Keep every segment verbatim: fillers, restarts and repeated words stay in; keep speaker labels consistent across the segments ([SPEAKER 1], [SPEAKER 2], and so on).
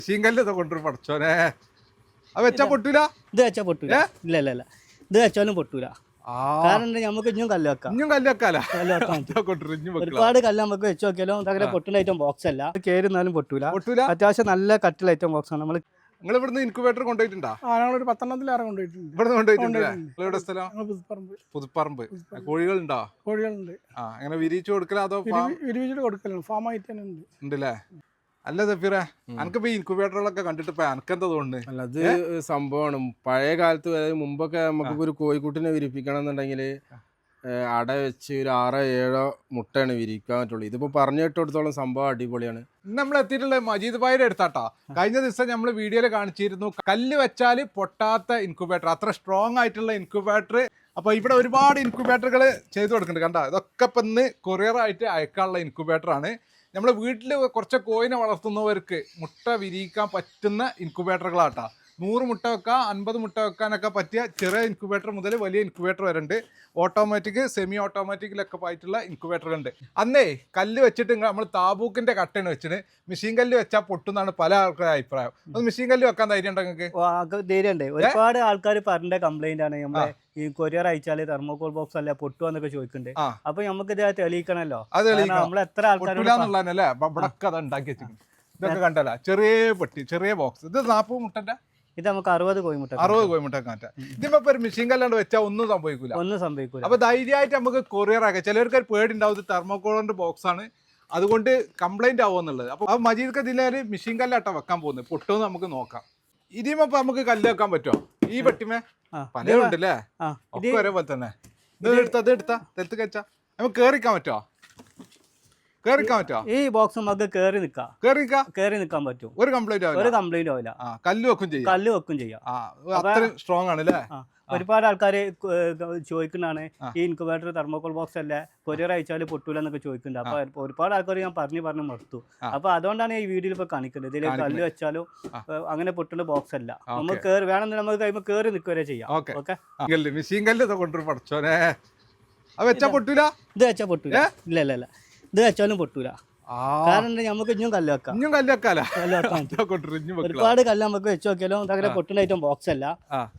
[SPEAKER 1] ശീങ്കല്ല് കൊണ്ടുവരും പഠിച്ചോനെ. അത് വെച്ചാ പൊട്ടൂല,
[SPEAKER 2] ഇത് വെച്ചാ പൊട്ടൂല. ഇല്ല ഇല്ല ഇല്ല ഇത് വെച്ചാലും പൊട്ടൂല. കാരണം നമുക്ക് ഇഞ്ഞും കല്ല് വെക്കാം.
[SPEAKER 1] ഇഞ്ഞും കല്ല് വെക്കാലോ.
[SPEAKER 2] കല്ല് വെക്കാൻ ഒരുപാട് കല്ല് നമുക്ക് വെച്ച് നോക്കിയാലും അങ്ങനെ പൊട്ടുന്ന ഐറ്റം ബോക്സ് അല്ല. കേറുന്നാലും പൊട്ടൂല.
[SPEAKER 1] പൊട്ടൂല.
[SPEAKER 2] അത്യാവശ്യം നല്ല കട്ടിൽ ഐറ്റം ബോക്സ് ആണ്. നമ്മൾ
[SPEAKER 1] നിങ്ങൾ ഇവിടുന്ന് ഇൻക്യുബേറ്റർ കൊണ്ടുപോയിട്ടുണ്ടോ?
[SPEAKER 3] ആ ഞങ്ങളൊരു പത്തെണ്ണത്തിലേറെ കൊണ്ടുപോയിട്ടുണ്ട്.
[SPEAKER 1] ഇവിടുന്ന് കൊണ്ടുപോയിട്ടുണ്ട്. എവിടെ സ്ഥലം?
[SPEAKER 3] പുതുപ്പറമ്പ്.
[SPEAKER 1] പുതുപ്പറമ്പ്. കോഴികളുണ്ടോ?
[SPEAKER 3] കോഴികളുണ്ട്.
[SPEAKER 1] ആ അങ്ങനെ വിരിച്ചു കൊടുക്കലോ അതോ
[SPEAKER 3] വിരിവിച്ചിട്ട് കൊടുക്കലുണ്ട്. ഫാം ആയിട്ട് തന്നെ ഉണ്ട്.
[SPEAKER 1] ഉണ്ടല്ലേ. അല്ല സഫീറ, അനക്കിപ്പോ ഈ ഇൻക്യുബേറ്ററുകളൊക്കെ കണ്ടിട്ട് ഇപ്പൊ അനക്കെന്താ തോന്നുന്നു?
[SPEAKER 4] അല്ല അത് സംഭവമാണ്. പഴയ കാലത്ത് അതായത് മുമ്പൊക്കെ നമുക്ക് ഒരു കോഴിക്കുട്ടിനെ വിരിപ്പിക്കണം എന്നുണ്ടെങ്കിൽ അട വെച്ച് ഒരു ആറോ ഏഴോ മുട്ടയാണ് വിരിക്കാൻ പറ്റുള്ളൂ. ഇതിപ്പോ പറഞ്ഞു കേട്ടിടത്തോളം സംഭവം അടിപൊളിയാണ്.
[SPEAKER 1] നമ്മൾ എത്തിയിട്ടുള്ള മജീദ് ഭായിയുടെ അടുത്താട്ടാ. കഴിഞ്ഞ ദിവസം നമ്മൾ വീഡിയോയിൽ കാണിച്ചിരുന്നു കല്ല് വെച്ചാൽ പൊട്ടാത്ത ഇൻക്യുബേറ്റർ, അത്ര സ്ട്രോങ് ആയിട്ടുള്ള ഇൻക്യുബേറ്റർ. അപ്പൊ ഇവിടെ ഒരുപാട് ഇൻക്യുബേറ്ററുകൾ ചെയ്തു കൊടുക്കുന്നുണ്ട്. കണ്ട, ഇതൊക്കെ ഇപ്പൊ ഇന്ന് കൊറിയർ ആയിട്ട് അയക്കാനുള്ള ഇൻക്യുബേറ്റർ ആണ്. നമ്മുടെ വീട്ടിൽ കുറച്ച് കോയിനെ വളർത്തുന്നവർക്ക് മുട്ട വിരിയിക്കാൻ പറ്റുന്ന ഇൻക്യുബേറ്ററുകളാട്ടാ. നൂറ് മുട്ട വെക്കാം, അൻപത് മുട്ട വെക്കാനൊക്കെ പറ്റിയ ചെറിയ ഇൻക്യുബേറ്റർ മുതൽ വലിയ ഇൻക്യുബേറ്റർ വരുന്നുണ്ട്. ഓട്ടോമാറ്റിക്, സെമി ഓട്ടോമാറ്റിക്കിലൊക്കെ ആയിട്ടുള്ള ഇൻക്യുബേറ്ററുണ്ട്. അന്നേ കല്ല് വെച്ചിട്ട് നമ്മൾ താബൂക്കിന്റെ കട്ടയാണ് വെച്ചിട്ട് മെഷീൻ കല്ല് വെച്ചാൽ പൊട്ടുന്നാണ് പല ആൾക്കാരുടെ അഭിപ്രായം. അത് മെഷീൻ കല്ല് വെക്കാൻ ധൈര്യം ഉണ്ടോ നിങ്ങൾക്ക്?
[SPEAKER 2] ധൈര്യമുണ്ട്. ഒരുപാട് ആൾക്കാർ പറഞ്ഞ കംപ്ലൈന്റ് ആണ് നമ്മളെ ഈ കൊറിയർ അയച്ചാല് തെർമോകോൾ ബോക്സ് അല്ല പൊട്ടുവെന്നൊക്കെ ചോദിക്കുന്നുണ്ട്. അപ്പൊ നമുക്ക് ഇത് തെളിയിക്കണല്ലോ. നമ്മൾ എത്ര
[SPEAKER 1] ആൾക്കാരുള്ളല്ലേ ഉണ്ടാക്കി വെച്ചിട്ടുണ്ട്. ഇതൊക്കെ കണ്ടല്ല, ചെറിയ പെട്ടി, ചെറിയ ബോക്സ്. ഇത് നാപ്പത് മുട്ടന്റെ
[SPEAKER 2] ഇത് നമുക്ക് അറുപത് കോഴിമുട്ട
[SPEAKER 1] അറുപത് കോഴിമുട്ട മാറ്റാം. ഇതിപ്പോ ഒരു മെഷീൻ കല്ലാണ്ട് വെച്ചാൽ ഒന്നും സംഭവിക്കൂല,
[SPEAKER 2] ഒന്നും സംഭവിക്കൂല.
[SPEAKER 1] അപ്പൊ ധൈര്യമായിട്ട് നമുക്ക് കൊറിയർ ആക്കാം. ചിലർക്ക് ഒരു പേടി ഉണ്ടാവും, ഇത് തെർമോകോളിന്റെ ബോക്സ് ആണ്, അതുകൊണ്ട് കംപ്ലൈന്റ് ആവുമെന്നുള്ളത്. അപ്പൊ ആ മജീദ് ഇതിലൊരു മെഷീൻ കല്ലാട്ടാ വെക്കാൻ പോകുന്നത്. പൊട്ടുമെന്ന് നമുക്ക് നോക്കാം. ഇതിമ നമുക്ക് കല്ല് വെക്കാൻ പറ്റുമോ? ഈ പെട്ടിമേ പലരുണ്ടല്ലേ, ഒക്കെ ഒരേപോലെ തന്നെ. ഇത് എടുത്താ ഇത് എടുത്താ തെത്ത് കഴിച്ചാ നമുക്ക് കേറിക്കാൻ പറ്റുമോ? കേറിക്കാൻ പറ്റുമോ?
[SPEAKER 2] ഈ ബോക്സ് നമുക്ക് കേറി നിക്കാം,
[SPEAKER 1] കേറി
[SPEAKER 2] കേറി നിക്കാൻ പറ്റും.
[SPEAKER 1] ഒരു കംപ്ലൈന്റ് ആവില്ല,
[SPEAKER 2] ഒരു കംപ്ലൈന്റ് ആവില്ല.
[SPEAKER 1] കല്ല് വെക്കും ചെയ്യാം,
[SPEAKER 2] കല്ല് വെക്കും ചെയ്യാം.
[SPEAKER 1] അത്രയും സ്ട്രോങ് ആണ് അല്ലേ.
[SPEAKER 2] ഒരുപാട് ആൾക്കാർ ചോദിക്കുന്നതാണ് ഈ ഇൻക്യുബേറ്റർ തെർമോകോൾ ബോക്സ് അല്ലേ കൊറിയർ അയച്ചാൽ പൊട്ടൂല എന്നൊക്കെ ചോദിക്കുന്നുണ്ട്. അപ്പൊ ഒരുപാട് ആൾക്കാർ ഞാൻ പറഞ്ഞു പറഞ്ഞു മടുത്തു. അപ്പൊ അതുകൊണ്ടാണ് ഈ വീഡിയോയിൽ ഇപ്പൊ കാണിക്കുന്നത്. ഇതിൽ കല്ല് വെച്ചാലും അങ്ങനെ പൊട്ടുന്ന ബോക്സ് അല്ല. നമുക്ക് കേറി വേണമെന്ന് നമുക്ക് കഴിയുമ്പോൾ കേറി നിൽക്കുക ചെയ്യാം. ഓക്കെ,
[SPEAKER 1] മെഷീൻ കല്ല് കൊണ്ടു പഠിച്ചോനെ. അത് വെച്ചാ പൊട്ടൂല.
[SPEAKER 2] ഇത് വെച്ചാൽ പൊട്ടൂല. ഇല്ല ഇല്ല ഇല്ല ഇത് വെച്ചാലും പൊട്ടൂല. കാരണം നമുക്ക് ഇഞ്ഞും കല്ല് വെക്കാം,
[SPEAKER 1] ഇഞ്ഞും കല്ല് വെക്കാലോ.
[SPEAKER 2] കല്ല് വെക്കാൻ ഒരുപാട് കല്ല് നമുക്ക് വെച്ച് നോക്കിയാലും അങ്ങനെ പൊട്ടുന്ന ഐറ്റം ബോക്സ് അല്ല.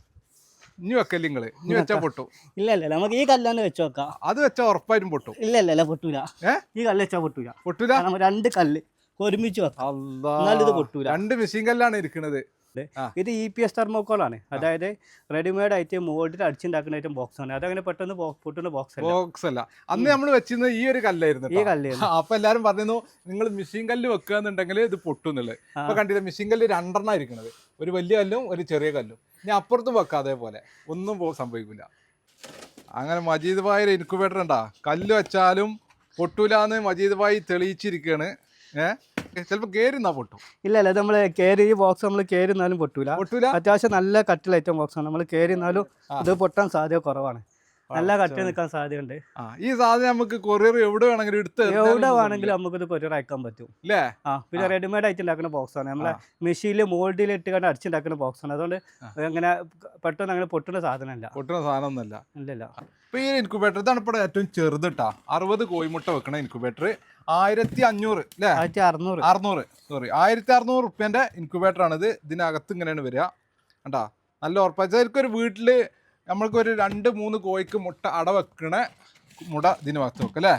[SPEAKER 1] ഇനി വെക്കല്ലേ നിങ്ങള്? ഇനി വെച്ചാ പൊട്ടും.
[SPEAKER 2] ഇല്ല ഇല്ല നമുക്ക് ഈ കല്ലാണ് വെച്ച് നോക്കാം.
[SPEAKER 1] അത് വെച്ചാൽ ഉറപ്പായിട്ടും പൊട്ടും.
[SPEAKER 2] ഇല്ല ഇല്ല ഇല്ല പൊട്ടൂല. ഈ കല്ല് വെച്ചാൽ പൊട്ടൂല.
[SPEAKER 1] പൊട്ടൂല.
[SPEAKER 2] രണ്ട് കല്ല് ഒരുമിച്ച് വെക്കാം, എന്നാലും ഇത് പൊട്ടൂല.
[SPEAKER 1] രണ്ട് മെഷീൻ കല്ലാണ് ഇരിക്കുന്നത്.
[SPEAKER 2] ഇത് ഇ പി എസ് തെർമോകോൾ ആണ്. അതായത് റെഡിമെയ്ഡ് ആയിട്ട് മോൾഡിൽ അടിച്ചുണ്ടാക്കുന്ന ഐറ്റം ബോക്സ് ആണ്. അതങ്ങനെ പെട്ടെന്ന് പൊട്ടുന്ന ബോക്സ്
[SPEAKER 1] ബോക്സ് അല്ല. അന്ന് നമ്മൾ വെച്ചിരുന്നത് ഈ ഒരു കല്ലായിരുന്നു.
[SPEAKER 2] ഈ കല്ല്
[SPEAKER 1] അപ്പൊ എല്ലാരും പറഞ്ഞു നിങ്ങൾ മെഷീൻ കല്ല് വെക്കുകയെന്നുണ്ടെങ്കിൽ ഇത് പൊട്ടുന്നുള്ളത്. അപ്പൊ കണ്ടില്ല, മെഷീൻ കല്ല് രണ്ടെണ്ണം ഇരിക്കുന്നത്, ഒരു വലിയ കല്ലും ഒരു ചെറിയ കല്ലും. ഞാൻ അപ്പുറത്തും വെക്കാം, അതേപോലെ ഒന്നും സംഭവിക്കില്ല. അങ്ങനെ മജീദ് ഭായി ഇൻക്യുബേറ്റർ ഉണ്ടാ, കല്ല് വെച്ചാലും പൊട്ടൂലെന്ന് മജീദ് ഭായി തെളിയിച്ചിരിക്കുകയാണ്. ഏഹ് ചിലപ്പോ കേരുന്നാ പൊട്ടും.
[SPEAKER 2] ഇല്ല ഇല്ല നമ്മള് കേരി ഈ ബോക്സ് നമ്മൾ കേരുന്നാലും പൊട്ടൂല.
[SPEAKER 1] പൊട്ടൂല.
[SPEAKER 2] അത്യാവശ്യം നല്ല കട്ടിൽ ഐറ്റം ബോക്സ് ആണ്. നമ്മൾ കേരുന്നാലും ഇത് പൊട്ടാൻ സാധ്യത കുറവാണ്. നല്ല കട്ടി നിൽക്കാൻ സാധ്യതയുണ്ട്.
[SPEAKER 1] ഈ സാധനം നമുക്ക് കൊറിയർ എവിടെ വേണമെങ്കിലും എടുത്ത്
[SPEAKER 2] എവിടെ വേണമെങ്കിലും നമുക്ക് ഇത് കൊറിയർ അയക്കാൻ പറ്റും.
[SPEAKER 1] അല്ലേ?
[SPEAKER 2] ആ പിന്നെ റെഡിമെയ്ഡ് ആയിട്ട് ഉണ്ടാക്കുന്ന ബോക്സ് ആണ്. നമ്മളെ മെഷീനിൽ മോൾഡിൽ ഇട്ട് കണ്ട് അടിച്ചുണ്ടാക്കുന്ന ബോക്സ് ആണ്. അതുകൊണ്ട് അങ്ങനെ പെട്ടെന്ന് അങ്ങനെ പൊട്ടുന്ന സാധനമല്ല,
[SPEAKER 1] പൊട്ടുന്ന സാധനം ഒന്നല്ല.
[SPEAKER 2] ഇല്ലല്ല.
[SPEAKER 1] ഇപ്പൊ ഈ ഇൻക്യുബേറ്റർ ഇതാണ് ഇപ്പോൾ ഏറ്റവും ചെറുതിട്ടാ. അറുപത് കോഴിമുട്ട വെക്കണ ഇൻക്യുബേറ്റർ ആയിരത്തി അഞ്ഞൂറ് അല്ലേ?
[SPEAKER 2] ആയിരത്തി അറുന്നൂറ്
[SPEAKER 1] അറുന്നൂറ് സോറി ആയിരത്തി അറുന്നൂറ് റുപ്യന്റെ ഇൻക്യുബേറ്റർ ആണിത്. ഇതിനകത്ത് ഇങ്ങനെയാണ് വരിക. കണ്ടാ, നല്ല ഉറപ്പായിരിക്കും. ഒരു വീട്ടില് നമ്മൾക്ക് ഒരു രണ്ട് മൂന്ന് കോഴിക്ക് മുട്ട അട വെക്കണ മുട ഇതിന് വച്ച് വെക്കും അല്ലേ?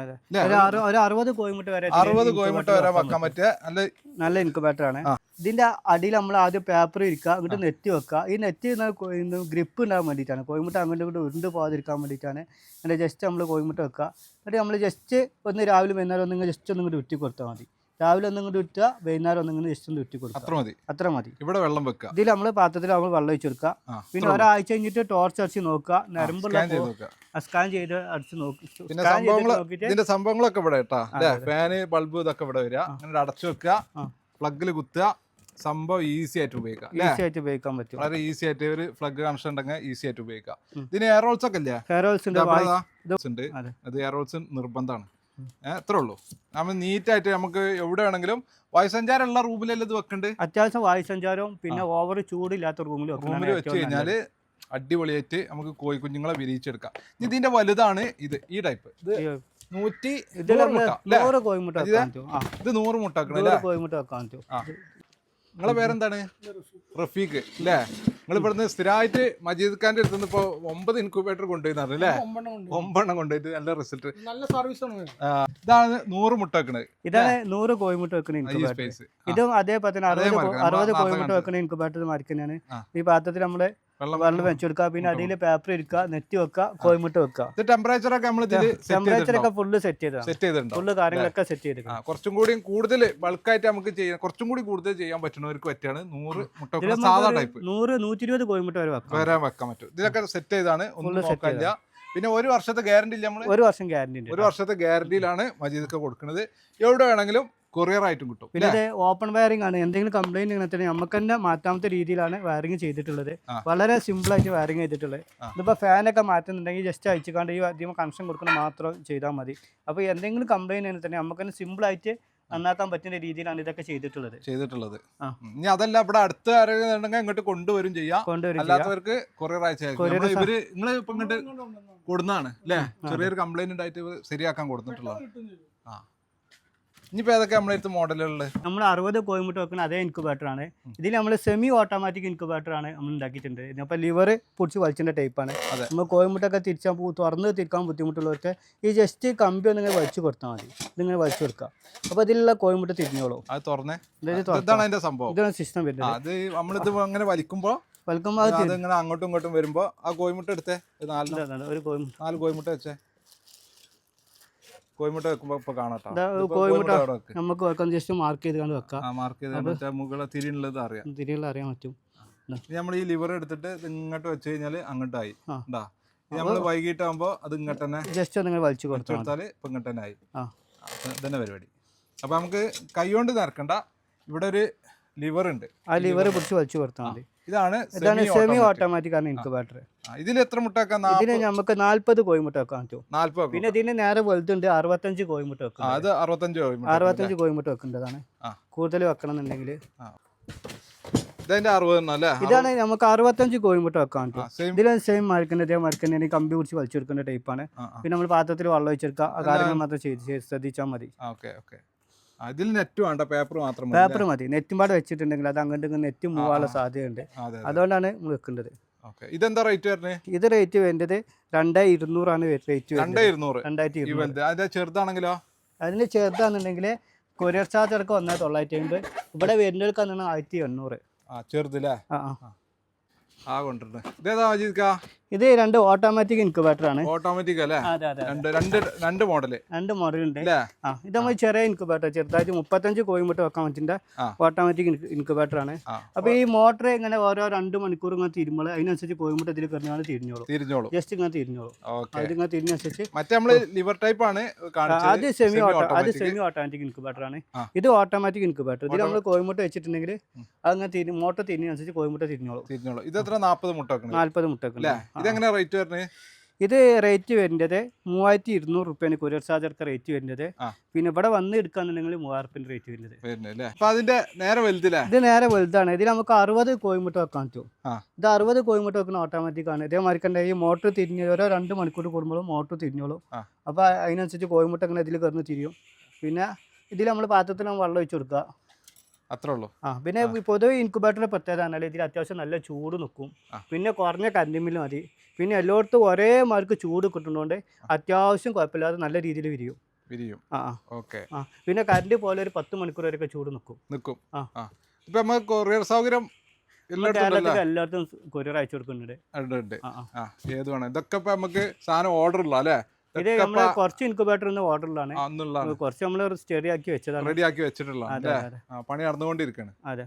[SPEAKER 2] അറുപത് കോഴിമുട്ട വരെ
[SPEAKER 1] അറുപത് കോഴിമുട്ട വരെ വെക്കാൻ പറ്റിയ നല്ല നല്ല
[SPEAKER 2] ഇൻക്യുബേറ്റർ ആണ്. ഇതിന്റെ അടിയിൽ നമ്മൾ ആദ്യം പേപ്പർ ഇരിക്കുക, അങ്ങോട്ട് നെറ്റ് വെക്കുക. ഈ നെറ്റ് ഗ്രിപ്പ് ഉണ്ടാകാൻ വേണ്ടിയിട്ടാണ്, കോഴിമുട്ട അങ്ങോട്ട് ഇങ്ങോട്ട് ഉരുണ്ട് പോകാതിരിക്കാൻ വേണ്ടിയിട്ടാണ്. അങ്ങനെ ജസ്റ്റ് നമ്മൾ കോഴിമുട്ട വെക്കുക. എന്നിട്ട് നമ്മൾ ജസ്റ്റ് ഒന്ന് രാവിലെ വൈകുന്നേരം ഒന്നിങ്ങനെ ജസ്റ്റ് ഒന്നും കൂടി ഉറ്റി കൊടുത്താൽ മതി. രാവിലെ ഒന്നും കൂടി ഉറ്റുക, വൈകുന്നേരം ഒന്നും കൂടി ജസ്റ്റ് ഒന്ന് ഉറ്റി കൊടുക്കുക.
[SPEAKER 1] അത്ര മതി,
[SPEAKER 2] അത്ര മതി.
[SPEAKER 1] ഇവിടെ വെള്ളം വെക്കുക.
[SPEAKER 2] ഇതിൽ നമ്മൾ പാത്രത്തിൽ നമ്മൾ വെള്ളം ഒഴിച്ച് കൊടുക്കുക. പിന്നെ ഒരാഴ്ച കഴിഞ്ഞിട്ട് ടോർച്ച് അടിച്ച് നോക്കുക, നരമ്പുള്ള സ്കാൻ ചെയ്ത് അടിച്ച് നോക്കി.
[SPEAKER 1] പിന്നെ ഇതിന്റെ സംഭവങ്ങളൊക്കെ ഇവിടെ കേട്ടാ, ഫാന് ബൾബ് ഇതൊക്കെ ഇവിടെ വരിക. അങ്ങനെ അടച്ചു വെക്കുക, പ്ലഗിൽ കുത്തുക. സംഭവം ഈസി ആയിട്ട് ഉപയോഗിക്കാം,
[SPEAKER 2] ഈസി ആയിട്ട് ഉപയോഗിക്കാൻ പറ്റും.
[SPEAKER 1] വളരെ ഈസി ആയിട്ട് ഒരു പ്ലഗ് കണക്ഷൻ ഉണ്ടെങ്കിൽ ഈസി ആയിട്ട് ഉപയോഗിക്കാം. ഇതിന് എയർ ഹോൾസ് ഒക്കെ ഇല്ലേ?
[SPEAKER 2] എയർ ഹോൾസ് ഉണ്ട്,
[SPEAKER 1] അത് എയർ ഹോൾസ് നിർബന്ധമാണ്. എത്ര ഉള്ളൂ. നമ്മൾ നീറ്റായിട്ട് നമുക്ക് എവിടെ വേണമെങ്കിലും വായുസഞ്ചാരം ഉള്ള റൂമിലെല്ലാം ഇത് വെക്കണ്ട്.
[SPEAKER 2] അത്യാവശ്യം വായുസഞ്ചാരവും പിന്നെ ഓവർ ചൂടില്ലാത്ത റൂമിൽ
[SPEAKER 1] റൂമിൽ വെച്ച് കഴിഞ്ഞാല് അടിപൊളിയായിട്ട് നമുക്ക് കോഴിക്കുഞ്ഞുങ്ങളെ വിരിയിച്ചെടുക്കാം. ഇതിന്റെ വലുതാണ് ഇത്, ഈ ടൈപ്പ്. ഇത് നൂറ്റി
[SPEAKER 2] നൂറ് കോഴിമുട്ട
[SPEAKER 1] ഇത് നൂറ് മുട്ട
[SPEAKER 2] കോഴിമുട്ട വെക്കാൻ പറ്റും.
[SPEAKER 1] നിങ്ങളെ പേരെന്താണ്? റഫീഖ് അല്ലേ? നിങ്ങൾ ഇവിടുന്ന് സ്ഥിരമായിട്ട് മജീദ് ഖാന്റെ അടുത്ത് നിന്ന് ഇപ്പൊ ഒമ്പത് ഇൻക്യുബേറ്റർ കൊണ്ടുപോയി അല്ലേ? ഒമ്പെണ്ണം കൊണ്ടുപോയിട്ട് നല്ല റിസൾട്ട്.
[SPEAKER 3] നല്ല സർവീസ് ആണ്.
[SPEAKER 1] ഇതാണ് നൂറ് മുട്ട വെക്കണത്.
[SPEAKER 2] ഇതാണ് നൂറ് കോഴിമുട്ട വെക്കുന്ന ഇൻക്യുബേറ്റർ. ഇതും അതേപോലെ തന്നെ അറുപത് അറുപത് കോഴിമുട്ട വെക്കുന്ന ഇൻക്യുബേറ്റർ മാറിക്കുന്നതാണ്. ഈ പാത്രത്തിൽ നമ്മള് വെള്ളം വെച്ചു കൊടുക്കുക, പിന്നെ അടിയിൽ പേപ്പർ ഇരിക്കുക, നെറ്റ് വെക്കുക, കോഴിമുട്ട വെക്കുക.
[SPEAKER 1] ടെമ്പറേച്ചർ ഒക്കെ നമ്മൾ
[SPEAKER 2] ടെമ്പറേച്ചർ ഒക്കെ ഫുള്ള് സെറ്റ് ചെയ്തതാണ്.
[SPEAKER 1] സെറ്റ് ചെയ്തിട്ടുണ്ട്.
[SPEAKER 2] ഫുള്ള് കാര്യങ്ങളൊക്കെ സെറ്റ് ചെയ്തിട്ടുണ്ട്.
[SPEAKER 1] കുറച്ചും കൂടി കൂടുതൽ ബൾക്കായിട്ട് നമുക്ക് ചെയ്യാൻ കുറച്ചും കൂടി കൂടുതൽ ചെയ്യാൻ പറ്റുന്നവർക്ക് പറ്റിയാണ് നൂറ് മുട്ട സാധാ ടൈപ്പ്.
[SPEAKER 2] നൂറ് നൂറ്റി ഇരുപത് കോഴിമുട്ട വരെ വെക്കാം,
[SPEAKER 1] വരെ വെക്കാൻ പറ്റും. ഇതിലൊക്കെ സെറ്റ് ചെയ്താണ്, ഒന്നും നോക്കാനില്ല. പിന്നെ ഒരു വർഷത്തെ ഗ്യാരണ്ടി ഇല്ല, നമ്മള്
[SPEAKER 2] ഒരു വർഷം ഗ്യാരണ്ടി ഉണ്ട്.
[SPEAKER 1] ഒരു വർഷത്തെ ഗ്യാരണ്ടിയിലാണ് മജീദൊക്കെ കൊടുക്കുന്നത്. എവിടെ വേണമെങ്കിലും കൊറിയർ ആയിട്ടും കിട്ടും.
[SPEAKER 2] പിന്നെ ഇത് ഓപ്പൺ വയറിംഗ് ആണ്. എന്തെങ്കിലും കംപ്ലൈന്റ് ഇങ്ങനെ തന്നെ നമുക്ക് തന്നെ മാറ്റാമത്തെ രീതിയിലാണ് വയറിംഗ് ചെയ്തിട്ടുള്ളത്. വളരെ സിമ്പിൾ ആയിട്ട് വയറിംഗ് ചെയ്തിട്ടുള്ളത്. ഇതിപ്പോ ഫാനൊക്കെ മാറ്റുന്നുണ്ടെങ്കിൽ ജസ്റ്റ് അയച്ചുകൊണ്ട് ഈ അധികം കണക്ഷൻ കൊടുക്കുന്ന മാത്രം ചെയ്താൽ മതി. അപ്പോൾ എന്തെങ്കിലും കംപ്ലൈന്റ് തന്നെ നമുക്ക് തന്നെ സിമ്പിൾ ആയിട്ട് നന്നാക്കാൻ പറ്റുന്ന രീതിയിലാണ് ഇതൊക്കെ ചെയ്തിട്ടുള്ളത്
[SPEAKER 1] ചെയ്തിട്ടുള്ളത് ഇനി അതല്ല ഇവിടെ അടുത്ത് ആരെങ്കിലും ഇങ്ങോട്ട് കൊണ്ടുവരും ചെയ്യാം, അല്ലാത്തവർക്ക് കൊറിയർ അയച്ചു. ഇവര് നിങ്ങള് ഇപ്പൊ ഇങ്ങോട്ട് കൊടുന്നാണ് അല്ലേ? ചെറിയൊരു കംപ്ലൈന്റ് ഉണ്ടായിട്ട് ശരിയാക്കാൻ കൊടുത്തിട്ടുള്ളത്. ആ ഇനിയിപ്പോൾ ഏതൊക്കെ നമ്മളടുത്ത് മോഡലുള്ളത്?
[SPEAKER 2] നമ്മൾ അറുപത് കോഴിമുട്ട വെക്കുന്ന അതേ ഇൻക്യുബേറ്റർ ആണ്. ഇതിൽ നമ്മൾ സെമി ഓട്ടോമാറ്റിക് ഇൻക്യുബേറ്റർ ആണ് നമ്മൾ ഉണ്ടാക്കിയിട്ടുണ്ട്. ഇതിനപ്പോൾ ലിവർ പൊടിച്ച് വലിച്ചിൻ്റെ ടൈപ്പാണ്. നമ്മൾ കോഴിമുട്ടൊക്കെ തിരിച്ചാൽ തുറന്ന് തിരിക്കാൻ ബുദ്ധിമുട്ടുള്ളവർക്ക് ഈ ജസ്റ്റ് കമ്പി ഒന്നിങ്ങനെ വലിച്ചു കൊടുത്താൽ മതി. ഇതിങ്ങനെ വലിച്ചു കൊടുക്കുക, അപ്പോൾ ഇതിലുള്ള കോഴിമുട്ട തിരിഞ്ഞോളൂ.
[SPEAKER 1] അത് തുറന്നേ, ഇതാണ് അതിന്റെ സംഭവം.
[SPEAKER 2] ഇതാണ് സിസ്റ്റം വരുന്നത്.
[SPEAKER 1] അത് നമ്മളിത് അങ്ങനെ വലിക്കുമ്പോൾ
[SPEAKER 2] വലിക്കുമ്പോൾ അത്
[SPEAKER 1] ഇങ്ങനെ അങ്ങോട്ടും ഇങ്ങോട്ടും വരുമ്പോൾ ആ കോഴിമുട്ട എടുത്തേ, നാല്
[SPEAKER 2] ഒരു കോഴിമുട്ട
[SPEAKER 1] നാല് കോഴിമുട്ട വെച്ചേ. കോഴിമുട്ട വെക്കുമ്പോ ഇപ്പൊ കാണാട്ടോ,
[SPEAKER 2] കോഴിമുട്ട നമുക്ക് വെക്കാം. ജസ്റ്റ് മാർക്ക് ചെയ്ത് കണ്ട് വെക്കാം.
[SPEAKER 1] മാർക്ക് ചെയ്ത് മുകളെ തിരിയുള്ളത് അറിയാം,
[SPEAKER 2] തിരിയുള്ള അറിയാൻ പറ്റും.
[SPEAKER 1] നമ്മൾ ഈ ലിവർ എടുത്തിട്ട് ഇങ്ങോട്ട് വെച്ച് കഴിഞ്ഞാല് അങ്ങോട്ടായി. ഉണ്ടാ നമ്മൾ വൈകിട്ടാകുമ്പോ അത് ഇങ്ങോട്ട് തന്നെ
[SPEAKER 2] ജസ്റ്റ് നിങ്ങൾ വലിച്ചു
[SPEAKER 1] കൊടുത്താല് ഇപ്പൊ ഇങ്ങോട്ട് തന്നെ ആയി. ഇതന്നെ പരിപാടി. അപ്പൊ നമുക്ക് കൈ കൊണ്ട് നിറക്കണ്ട, ഇവിടെ ഒരു ലിവർ ഉണ്ട്, ആ ലിവർ പിടിച്ച് വലിച്ചു കൊടുത്താൽ മതി. ഇതാണ് ഇതാണ് സെമി ഓട്ടോമാറ്റിക് ആണ് ഇൻക്യുബേറ്റർ. ഇതിൽ എത്ര മുട്ട വെക്കാം? ഇതിന് നമുക്ക് നാല്പത് കോഴിമുട്ട വെക്കാൻ പറ്റും. നാല്പത്. പിന്നെ ഇതിന് നേരെ വലുതുണ്ട്, അറുപത്തഞ്ച് കോഴിമുട്ട വെക്കാം. അത് അറുപത്തഞ്ച് അറുപത്തഞ്ച് കോഴിമുട്ട വെക്കേണ്ടതാണ്. കൂടുതൽ വെക്കണം എന്നുണ്ടെങ്കിൽ ഇതാണ് നമുക്ക് അറുപത്തഞ്ച് കോഴിമുട്ട വെക്കാൻ പറ്റും. ഇതിൽ സെയിം മരക്കുന്ന ഇതേ മരക്കുന്ന കമ്പി പിടിച്ച് വലിച്ചെടുക്കേണ്ട ടൈപ്പാണ്. പിന്നെ നമ്മൾ പാത്രത്തിൽ വെള്ളം ഒഴിച്ചെടുക്കുക, ആ കാര്യങ്ങൾ മാത്രം ചെയ്ത് ശ്രദ്ധിച്ചാൽ മതി. ഇതിൽ നെറ്റ് വേണ്ട, പേപ്പർ മാത്രം പേപ്പർ മതി. നെറ്റും പാടെ വെച്ചിട്ടുണ്ടെങ്കിൽ അത് അങ്ങോട്ട് നെറ്റ് മൂവാനുള്ള സാധ്യതയുണ്ട്. അതുകൊണ്ടാണ് നമ്മൾ വെക്കേണ്ടത്. ഇതെന്താ റേറ്റ് വരുന്നത്? ഇത് റേറ്റ് വേണ്ടത് രണ്ടേ ഇരുന്നൂറാണ് റേറ്റ്. രണ്ടായിരത്തി ഇരുന്നൂറ്. ചെറുതാണെങ്കിലോ? അതിന് ചെറുതാണെന്നുണ്ടെങ്കിൽ കൊറിയർ ചാർജ് അടക്കം ഒന്നേ തൊള്ളായിരത്തി അമ്പത്. ഇവിടെ വരുന്നവർക്കാണ് ആയിരത്തി എണ്ണൂറ്. ചെറുതല്ലേ? ആ കൊണ്ടുവരുന്നത് ഇത് രണ്ട് ഓട്ടോമാറ്റിക് ഇൻക്യുബേറ്റർ ആണ്. ഓട്ടോമാറ്റിക് അല്ലേ? രണ്ട് രണ്ട് മോഡൽ രണ്ട് മോഡൽ ഉണ്ട്. ആ ഇത് നമ്മൾ ചെറിയ ഇൻക്യുബേറ്റർ, ചെറുതായിട്ട് മുപ്പത്തഞ്ച് കോഴിമുട്ട വെക്കാൻ പറ്റുന്ന ഓട്ടോമാറ്റിക് ഇൻക്യുബേറ്റർ ആണ്. അപ്പൊ ഈ മോട്ടർ ഇങ്ങനെ ഓരോ രണ്ട് മണിക്കൂർ ഇങ്ങനെ തിരുമ്പോൾ അതിനനുസരിച്ച് കോഴിമുട്ട ഇതിൽ കിടന്നാണ് തിരിഞ്ഞോളൂ. തിരിഞ്ഞോളൂ ജസ്റ്റ് ഇങ്ങനെ തിരിഞ്ഞോളൂ. അതിങ്ങനെ തിരിഞ്ഞനുസരിച്ച് ലിവർ ടൈപ്പ് ആണ്. അത് സെമി ഓട്ടോ അത് സെമി ഓട്ടോമാറ്റിക് ഇൻക്യുബേറ്റർ ആണ്. ഇത് ഓട്ടോമാറ്റിക് ഇൻക്യുബേറ്റർ. ഇതിൽ നമ്മൾ കോഴിമുട്ട വെച്ചിട്ടുണ്ടെങ്കിൽ അങ്ങനെ തിരി മോട്ടർ തിരിഞ്ഞനുസരിച്ച് കോഴിമുട്ട തിരിഞ്ഞോളൂ. തിരിഞ്ഞോളൂ. ഇത് എത്ര? നാൽപ്പത് മുട്ട നാൽപ്പത് മുട്ട. ഇതെങ്ങനെ റേറ്റ് വരുന്നത്? ഇത് റേറ്റ് വരുന്നത് മൂവായിരത്തി ഇരുന്നൂറ് റുപ്യാണ് കൊറിയർ ചാർജർക്ക് റേറ്റ് വരുന്നത്. പിന്നെ ഇവിടെ വന്ന് എടുക്കാന്നുണ്ടെങ്കിൽ മൂവായിരം റുപ്യൻ്റെ റേറ്റ് വരുന്നത്. അതിന്റെ നേരെ വലുതില്ല, ഇത് നേരെ വലുതാണ്. ഇതിൽ നമുക്ക് അറുപത് കോഴിമുട്ട വെക്കാൻ പറ്റും. ഇത് അറുപത് കോഴിമുട്ട വെക്കുന്ന ഓട്ടോമാറ്റിക് ആണ്. ഇതേമാതിരി കണ്ട ഈ മോട്ടർ തിരിഞ്ഞ് ഓരോ രണ്ട് മണിക്കൂർ കൂടുമ്പോഴും മോട്ടർ തിരിഞ്ഞോളും. അപ്പോൾ അതിനനുസരിച്ച് കോഴിമുട്ട ഇങ്ങനെ ഇതിൽ കിടന്ന് തിരിയും. പിന്നെ ഇതിൽ നമ്മൾ പാത്രത്തിൽ വെള്ളം ഒഴിച്ചു കൊടുക്കുക, അത്രേ ഉള്ളൂ. ആ പിന്നെ പൊതുവെ ഇൻക്യുബേറ്ററിന്റെ പ്രത്യേകത പറഞ്ഞാൽ ഇതിൽ അത്യാവശ്യം നല്ല ചൂട് നിൽക്കും. പിന്നെ കുറഞ്ഞ കറണ്ട് ബില്ല് മതി. പിന്നെ എല്ലായിടത്തും ഒരേ മാർക്ക് ചൂട് കിട്ടുന്നതുകൊണ്ട് അത്യാവശ്യം കുഴപ്പമില്ലാതെ നല്ല രീതിയിൽ വിരിയും വിരിയും ആ ഓക്കെ. ആ പിന്നെ കറണ്ട് പോലെ ഒരു പത്ത് മണിക്കൂർ വരെയൊക്കെ ചൂട് നിൽക്കും നിൽക്കും ആ ഇപ്പം നമുക്ക് കൊറിയർ സൗകര്യം കേരളത്തിൽ എല്ലായിടത്തും കൊറിയർ അയച്ചു കൊടുക്കുന്നുണ്ട്. ഏത് വേണം ഇതൊക്കെ ഇപ്പം നമുക്ക് സാധനം ഓർഡർ ഉള്ള അല്ലേ? ഇത് നമ്മള് കുറച്ച് ഇൻക്യുബേറ്റർ ഓർഡറിലാണ്, കുറച്ച് നമ്മൾ സ്റ്റഡി ആക്കി വെച്ചതാണ്, റെഡി ആക്കി വെച്ചിട്ടുള്ള പണി നടന്നുകൊണ്ടിരിക്കുകയാണ്. അതെ.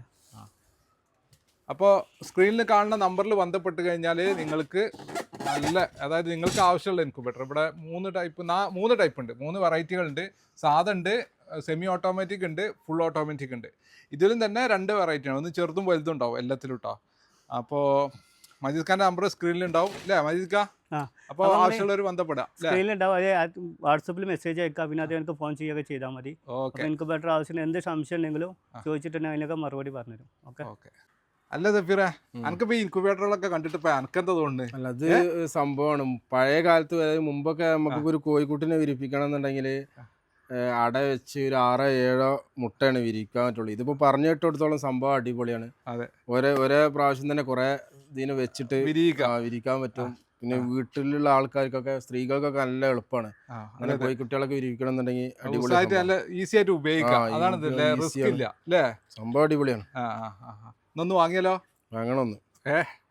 [SPEAKER 1] അപ്പോൾ സ്ക്രീനിൽ കാണുന്ന നമ്പറിൽ ബന്ധപ്പെട്ട് കഴിഞ്ഞാൽ നിങ്ങൾക്ക് നല്ല അതായത് നിങ്ങൾക്ക് ആവശ്യമുള്ള ഇൻക്യുബേറ്റർ ഇവിടെ മൂന്ന് ടൈപ്പ് മൂന്ന് ടൈപ്പ് ഉണ്ട്, മൂന്ന് വെറൈറ്റികളുണ്ട്. സാധാ ഉണ്ട്, സെമി ഓട്ടോമാറ്റിക് ഉണ്ട്, ഫുൾ ഓട്ടോമാറ്റിക് ഉണ്ട്. ഇതിലും തന്നെ രണ്ട് വെറൈറ്റിയാണ്, ഒന്ന് ചെറുതും വലുതും ഉണ്ടാവും എല്ലാത്തിലും കേട്ടോ. അപ്പോൾ മജീദ് ഖാന്റെ നമ്പർ സ്ക്രീനിൽ ഉണ്ടാവും അല്ലേ മജീദ് ഖാൻ? അപ്പോൾ ആവശ്യമുള്ളവർ ബന്ധപ്പെടാം. സ്ക്രീനിലുണ്ടാവും, അതെ വാട്സപ്പിൽ മെസ്സേജ് അയക്കാം, പിന്നെ അത് എനിക്ക് ഫോൺ ചെയ്യുകയൊക്കെ ചെയ്താൽ മതി. ഓക്കെ. ഇൻക്യുബേറ്റർ ആവശ്യം എന്ത് സംശയം ഉണ്ടെങ്കിലും ചോദിച്ചിട്ടുണ്ടെങ്കിൽ അതിനൊക്കെ മറുപടി പറഞ്ഞുതരും. Okay okay. അല്ല സഫീറേ, എനിക്കിപ്പോ ഇൻക്യുബേറ്ററുകളൊക്കെ കണ്ടിട്ട് ഇപ്പൊ എനിക്കെന്താ തോന്നുന്നത്?
[SPEAKER 4] അല്ല അത് സംഭവമാണ്. പഴയ കാലത്ത് മുമ്പൊക്കെ നമുക്ക് ഒരു കോഴിക്കുട്ടിനെ വിരിപ്പിക്കണം എന്നുണ്ടെങ്കിൽ ഏഹ് അട വെച്ച് ഒരു ആറോ ഏഴോ മുട്ടയാണ് വിരിക്കാൻ പറ്റുള്ളൂ. ഇതിപ്പോൾ പറഞ്ഞു കേട്ടിടത്തോളം സംഭവം അടിപൊളിയാണ്.
[SPEAKER 1] അതെ.
[SPEAKER 4] ഒരേ ഒരേ പ്രാവശ്യം തന്നെ കുറേ ഇതിന് വെച്ചിട്ട്
[SPEAKER 1] വിരിയിക്കാം.
[SPEAKER 4] ആ, വിരിക്കാൻ പറ്റും. പിന്നെ വീട്ടിലുള്ള ആൾക്കാർക്കൊക്കെ സ്ത്രീകൾക്കൊക്കെ നല്ല എളുപ്പമാണ്.
[SPEAKER 1] ആ,
[SPEAKER 4] അങ്ങനെ കോഴിക്കുട്ടികളൊക്കെ വിരിക്കണം എന്നുണ്ടെങ്കിൽ അടിപൊളി
[SPEAKER 1] ഉസായിട്ട് നല്ല ഈസി ആയിട്ട് ഉപയോഗിക്കാം.
[SPEAKER 4] ആ,
[SPEAKER 1] അതാണ്
[SPEAKER 4] easy
[SPEAKER 1] ഇതില്ലേ
[SPEAKER 4] ആണ്,
[SPEAKER 1] റിസ്ക്
[SPEAKER 4] easy
[SPEAKER 1] ഇല്ല അല്ലേ?
[SPEAKER 4] സംഭവം അടിപൊളിയാണ്.
[SPEAKER 1] ആ ആ ആ ആ. ഇന്നൊന്ന് വാങ്ങിയാലോ?
[SPEAKER 4] വാങ്ങണം ഒന്ന്.
[SPEAKER 1] ഏ